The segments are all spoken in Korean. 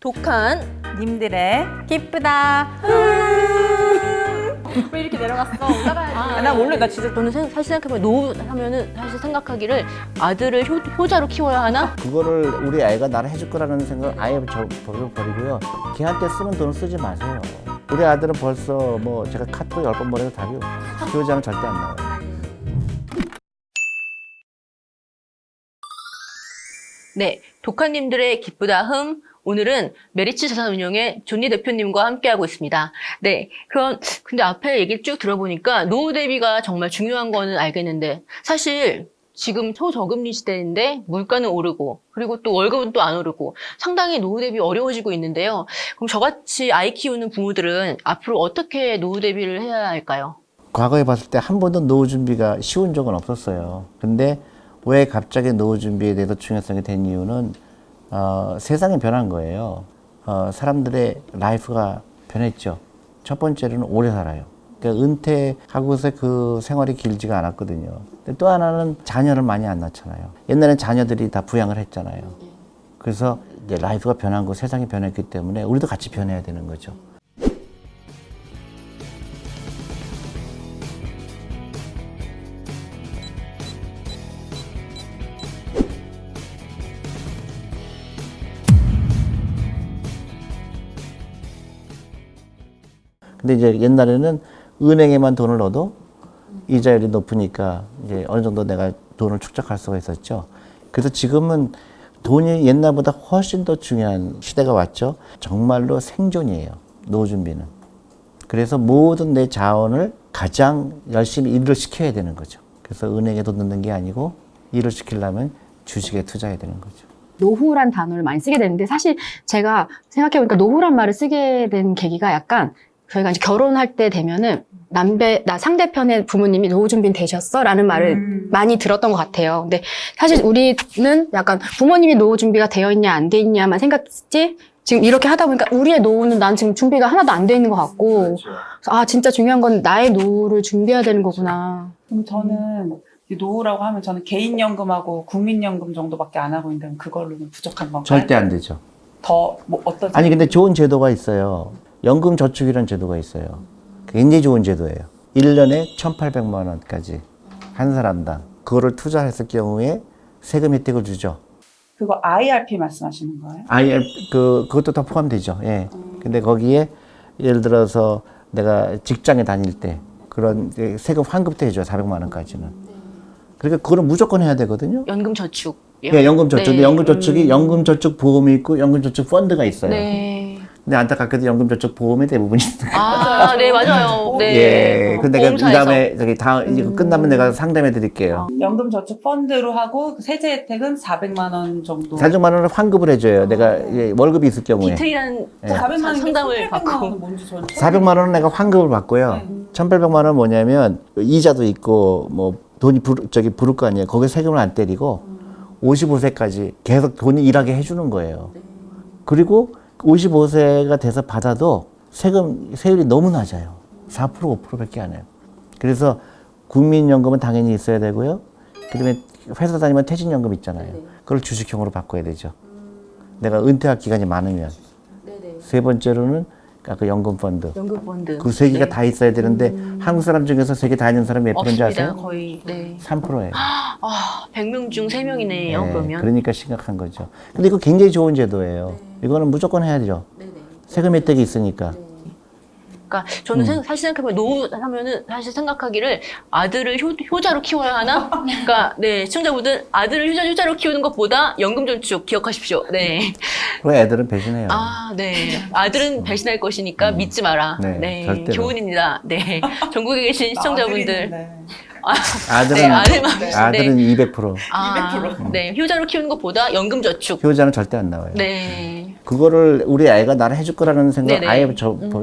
독한 님들의 기쁘다. 왜 이렇게 내려갔어? 올라가야지. 나 몰라. 나 진짜 저는 사실 생각해보면 노후 하면은 사실 생각하기를 아들을 효자로 키워야 하나? 그거를 우리 아이가 나를 해줄 거라는 생각을 아예 버리고요. 걔한테 쓰는 돈을 쓰지 마세요. 우리 아들은 벌써 뭐 제가 카톡 10번 보내도 답이 없어요. 교육자는 절대 안 나와요. 네, 독한님들의 기쁘다 흠. 오늘은 메리츠 자산운용의 존니 대표님과 함께하고 있습니다. 네, 근데 앞에 얘기를 쭉 들어보니까 노후 대비가 정말 중요한 거는 알겠는데 사실 지금 초저금리 시대인데 물가는 오르고 그리고 또 월급은 또 안 오르고 상당히 노후 대비 어려워지고 있는데요. 그럼 저같이 아이 키우는 부모들은 앞으로 어떻게 노후 대비를 해야 할까요? 과거에 봤을 때 한 번도 노후 준비가 쉬운 적은 없었어요. 근데 왜 갑자기 노후 준비에 대해서 중요성이 된 이유는 세상이 변한 거예요. 사람들의 라이프가 변했죠. 첫 번째로는 오래 살아요. 그러니까 은퇴하고서 그 생활이 길지가 않았거든요. 근데 또 하나는 자녀를 많이 안 낳잖아요. 옛날엔 자녀들이 다 부양을 했잖아요. 그래서 이제 라이프가 변한 거, 세상이 변했기 때문에 우리도 같이 변해야 되는 거죠. 근데 이제 옛날에는 은행에만 돈을 넣어도 이자율이 높으니까 이제 어느 정도 내가 돈을 축적할 수가 있었죠. 그래서 지금은 돈이 옛날보다 훨씬 더 중요한 시대가 왔죠. 정말로 생존이에요. 노후 준비는. 그래서 모든 내 자원을 가장 열심히 일을 시켜야 되는 거죠. 그래서 은행에 돈 넣는 게 아니고 일을 시키려면 주식에 투자해야 되는 거죠. 노후란 단어를 많이 쓰게 되는데 사실 제가 생각해보니까 노후란 말을 쓰게 된 계기가 약간 저희가 이제 결혼할 때 되면은 상대편의 부모님이 노후 준비는 되셨어? 라는 말을 많이 들었던 것 같아요. 근데 사실 우리는 약간 부모님이 노후 준비가 되어 있냐 안 돼 있냐만 생각했지 지금 이렇게 하다 보니까 우리의 노후는 난 지금 준비가 하나도 안 돼 있는 것 같고 아 진짜 중요한 건 나의 노후를 준비해야 되는 거구나. 그럼 저는 이 노후라고 하면 저는 개인연금하고 국민연금 정도밖에 안 하고 있는데 그걸로는 부족한 건가요? 절대 안 되죠. 더 뭐 어떤 아니 근데 좋은 제도가 있어요. 연금저축이라는 제도가 있어요. 굉장히 좋은 제도예요. 1년에 1,800만 원까지 한 사람당 그거를 투자했을 경우에 세금 혜택을 주죠. 그거 IRP 말씀하시는 거예요? 그것도 다 포함되죠. 예. 근데 거기에 예를 들어서 내가 직장에 다닐 때 그런 세금 환급도 해줘요. 400만 원까지는. 그러니까 그거는 무조건 해야 되거든요. 연금저축. 예, 연금저축. 네. 연금저축이 연금저축 보험이 있고 연금저축 펀드가 있어요. 네. 근데 안타깝게도 연금저축 보험이 대부분 있어요. 아, 네, 맞아요. 네. 예. 근데 내가 이 보험사에서. 다음에 이거 끝나면 내가 상담해 드릴게요. 연금저축펀드로 하고 그 세제 혜택은 400만 원 정도. 400만 원을 환급을 해줘요. 내가 월급이 있을 경우에. 디테일한 예. 400만 원 상담을 1,800만 받고. 원은 뭔지 저는 400만 원은 내가 환급을 받고요. 1,800만 원은 뭐냐면 이자도 있고 뭐 돈이 부를 거 아니에요. 거기에 세금을 안 때리고 55세까지 계속 돈이 일하게 해주는 거예요. 그리고 55세가 돼서 받아도 세율이 너무 낮아요. 4% 5%밖에 안 해요. 그래서 국민연금은 당연히 있어야 되고요. 그다음에 회사 다니면 퇴직연금 있잖아요. 그걸 주식형으로 바꿔야 되죠. 내가 은퇴할 기간이 많으면. 세 번째로는 그 연금펀드. 연금펀드. 그 세 개가 다 있어야 되는데 한국 사람 중에서 세 개 다 있는 사람이 몇 프로인지 없습니다. 아세요? 거의. 네. 3%예요. 아, 100명 중 3명이네요, 그러면. 그러니까 심각한 거죠. 근데 이거 굉장히 좋은 제도예요. 이거는 무조건 해야죠. 세금 혜택이 있으니까. 그러니까 저는 사실 생각해보면 노후 하면은 사실 생각하기를 아들을 효자로 키워야 하나? 그러니까 네 시청자분들 아들을 효자로 키우는 것보다 연금저축 기억하십시오. 네. 왜 애들은 배신해요? 아, 네. 아들은 배신할 것이니까 믿지 마라. 네, 네. 절대로. 교훈입니다. 네. 전국에 계신 시청자분들. 아들은 네, 아들만. 아들은 네. 200%. 네. 효자로 키우는 것보다 연금저축. 효자는 절대 안 나와요. 네. 그거를 우리 아이가 나를 해줄 거라는 생각 네네. 아예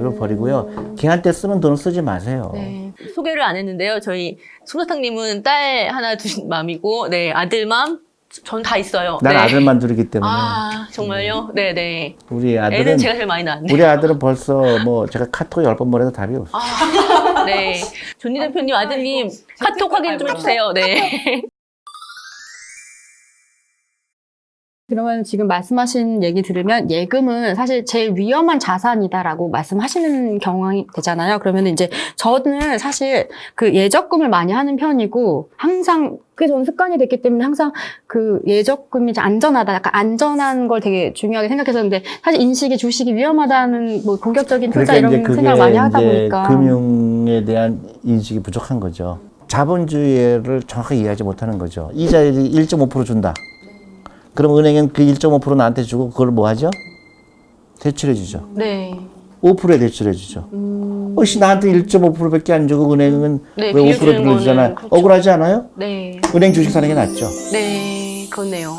버리고요. 걔한테 쓰는 돈을 쓰지 마세요. 네. 소개를 안 했는데요. 저희 솜사탕님은 딸 하나 두신 맘이고, 네. 아들맘, 전 다 있어요. 난 네. 아들만 둘이기 때문에. 아, 정말요? 네네. 우리 애는 아들은 제가 제일 많이 낳았네요. 우리 아들은 벌써 뭐 제가 카톡 10번 보내도 답이 없어. 아, 네. 존니 대표님 아드님 카톡 확인 좀 해주세요. 네. 그러면 지금 말씀하신 얘기 들으면 예금은 사실 제일 위험한 자산이다라고 말씀하시는 경향이 되잖아요. 그러면 이제 저는 사실 그 예적금을 많이 하는 편이고 항상 그게 저는 습관이 됐기 때문에 항상 그 예적금이 안전하다, 약간 안전한 걸 되게 중요하게 생각했었는데 사실 인식이 주식이 위험하다는 뭐 공격적인 투자 그러니까 이런 생각을 많이 하다 이제 보니까 금융에 대한 인식이 부족한 거죠. 자본주의를 정확하게 이해하지 못하는 거죠. 이자율이 1.5% 준다. 그럼 은행은 그 1.5% 나한테 주고 그걸 뭐 하죠? 대출해 주죠. 네. 5%에 대출해 주죠. 혹시 나한테 1.5%밖에 안 주고 은행은 네, 왜 5% 빌려주는 빌려주잖아요. 거는 그렇죠. 억울하지 않아요? 네. 은행 주식 사는 게 낫죠. 네. 그렇네요.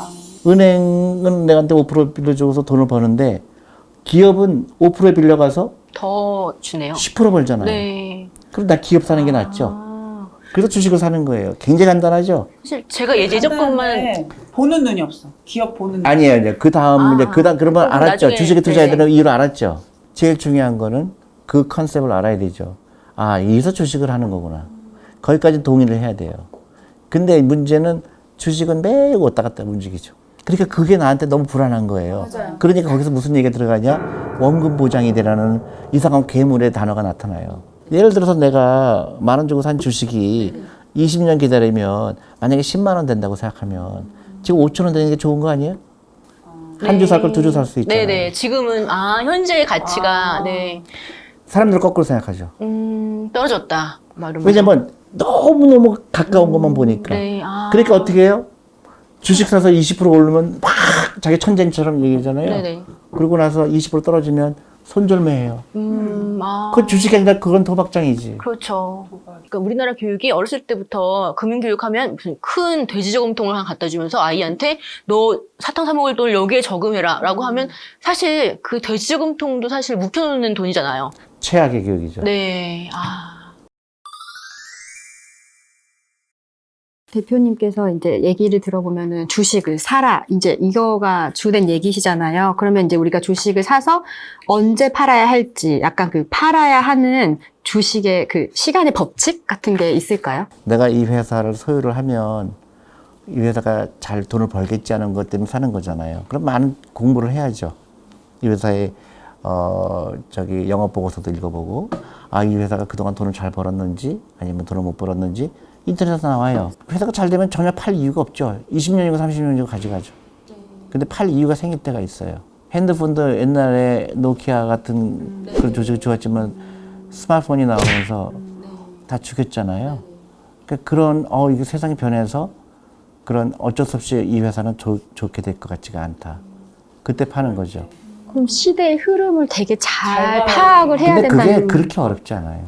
은행은 내한테 5% 빌려주고서 돈을 버는데 기업은 5%에 빌려가서 더 주네요. 10% 벌잖아요. 네. 그럼 나 기업 사는 게 낫죠. 아, 그래서 주식을 사는 거예요. 굉장히 간단하죠. 사실 제가 예적금만 간단한데 보는 눈이 없어. 기업 보는 눈. 아니에요. 이제 그 다음 이제 그다음 그러면 그럼 알았죠. 나중에, 주식에 투자해야 네. 되는 이유를 알았죠. 제일 중요한 거는 그 컨셉을 알아야 되죠. 아, 여기서 주식을 하는 거구나. 거기까지 동의를 해야 돼요. 근데 문제는 주식은 매일 왔다 갔다 움직이죠. 그러니까 그게 나한테 너무 불안한 거예요. 맞아요. 그러니까 거기서 무슨 얘기가 들어가냐? 원금 보장이 되라는 이상한 괴물의 단어가 나타나요. 예를 들어서 내가 10,000원 주고 산 주식이 20년 기다리면 만약에 10만 원 된다고 생각하면 지금 5,000원 되는 게 좋은 거 아니에요? 한 주 살 걸 두 주 살 수 있잖아요. 네네. 지금은, 현재의 가치가, 네. 사람들 거꾸로 생각하죠. 떨어졌다. 말은 왜냐면 너무너무 가까운 것만 보니까. 네. 그러니까 어떻게 해요? 주식 사서 20% 오르면 막 자기 천재처럼 얘기하잖아요. 네네. 그러고 나서 20% 떨어지면 손절매해요. 그 주식이 아니라 그건 도박장이지. 그렇죠. 그러니까 우리나라 교육이 어렸을 때부터 금융교육하면 무슨 큰 돼지 저금통을 하나 갖다 주면서 아이한테 너 사탕 사 먹을 돈을 여기에 저금해라 라고 하면 사실 그 돼지 저금통도 사실 묵혀놓는 돈이잖아요. 최악의 교육이죠. 네. 대표님께서 이제 얘기를 들어보면은 주식을 사라. 이제 이거가 주된 얘기시잖아요. 그러면 이제 우리가 주식을 사서 언제 팔아야 할지 약간 그 팔아야 하는 주식의 그 시간의 법칙 같은 게 있을까요? 내가 이 회사를 소유를 하면 이 회사가 잘 돈을 벌겠지 하는 것 때문에 사는 거잖아요. 그럼 많은 공부를 해야죠. 이 회사의 영업 보고서도 읽어보고 이 회사가 그동안 돈을 잘 벌었는지 아니면 돈을 못 벌었는지 인터넷에서 나와요. 회사가 잘 되면 전혀 팔 이유가 없죠. 20년이고 30년이고 가져가죠. 근데 팔 이유가 생길 때가 있어요. 핸드폰도 옛날에 노키아 같은 그런 조직이 좋았지만 스마트폰이 나오면서 다 죽였잖아요. 그러니까 그런 이게 세상이 변해서 그런 어쩔 수 없이 이 회사는 좋게 될 것 같지가 않다. 그때 파는 거죠. 그럼 시대의 흐름을 되게 잘 잘 파악을 해야 근데 그게 된다는. 그렇게 어렵지 않아요.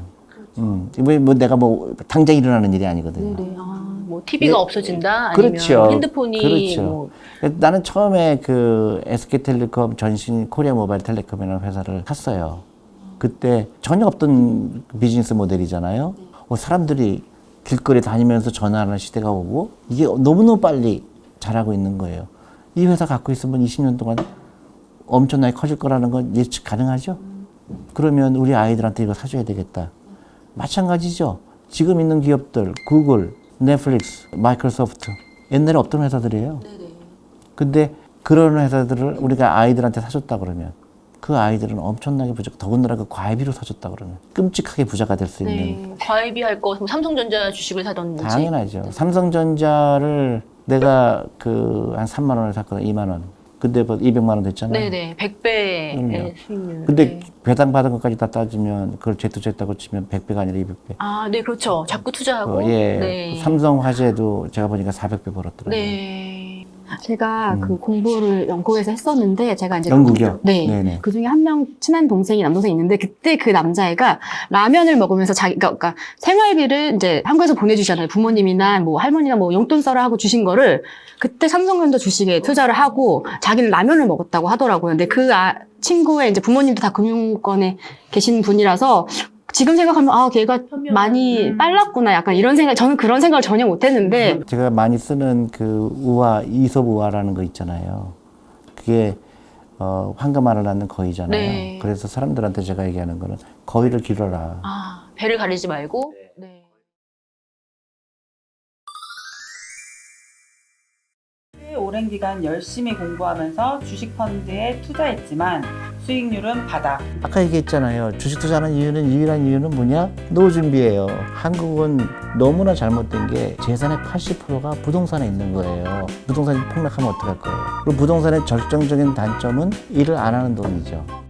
내가 당장 일어나는 일이 아니거든요. 네네. 뭐 TV가 네. 없어진다 아니면 그렇죠. 핸드폰이 그렇죠. 뭐 나는 처음에 그 SK텔레콤 전신 코리아 모바일 텔레콤이라는 회사를 샀어요. 그때 전혀 없던 비즈니스 모델이잖아요. 사람들이 길거리 다니면서 전화하는 시대가 오고 이게 너무너무 빨리 자라고 있는 거예요. 이 회사 갖고 있으면 20년 동안 엄청나게 커질 거라는 건 예측 가능하죠? 그러면 우리 아이들한테 이거 사줘야 되겠다. 마찬가지죠. 지금 있는 기업들, 구글, 넷플릭스, 마이크로소프트. 옛날에 없던 회사들이에요. 근데 그런 회사들을 우리가 아이들한테 사줬다 그러면 그 아이들은 엄청나게 더군다나 그 과외비로 사줬다 그러면 끔찍하게 부자가 될 수 있는. 네. 과외비 할 거 삼성전자 주식을 사던지. 당연하죠. 삼성전자를 내가 한 3만 원을 샀거든, 2만 원. 근데 뭐 200만 원 됐잖아요. 네네. 100배의 그럼요. 수익률. 근데 네. 배당 받은 것까지 다 따지면 그걸 제투제했다고 치면 100배가 아니라 200배. 네, 그렇죠. 자꾸 투자하고. 예. 네. 삼성화재도 제가 보니까 400배 벌었더라고요. 네. 제가 그 공부를 영국에서 했었는데 제가 이제 영국이요? 네. 네네. 그 중에 한 명 친한 남동생이 있는데 그때 그 남자애가 라면을 먹으면서 그러니까 생활비를 이제 한국에서 보내주잖아요. 부모님이나 뭐 할머니나 뭐 용돈 써라 하고 주신 거를 그때 삼성전자 주식에 투자를 하고 자기는 라면을 먹었다고 하더라고요. 근데 그 친구의 이제 부모님도 다 금융권에 계신 분이라서 지금 생각하면 걔가 많이 빨랐구나 약간 이런 생각, 저는 그런 생각을 전혀 못 했는데 제가 많이 쓰는 그 이솝 우화라는 거 있잖아요. 그게 황금알을 낳는 거위잖아요. 네. 그래서 사람들한테 제가 얘기하는 거는 거위를 기르라. 배를 가리지 말고. 네. 오랜 기간 열심히 공부하면서 주식 펀드에 투자했지만 수익률은 바닥. 아까 얘기했잖아요. 주식 투자하는 이유는 유일한 이유는 뭐냐? 노후 준비예요. 한국은 너무나 잘못된 게 재산의 80%가 부동산에 있는 거예요. 부동산이 폭락하면 어떡할 거예요? 그리고 부동산의 결정적인 단점은 일을 안 하는 돈이죠.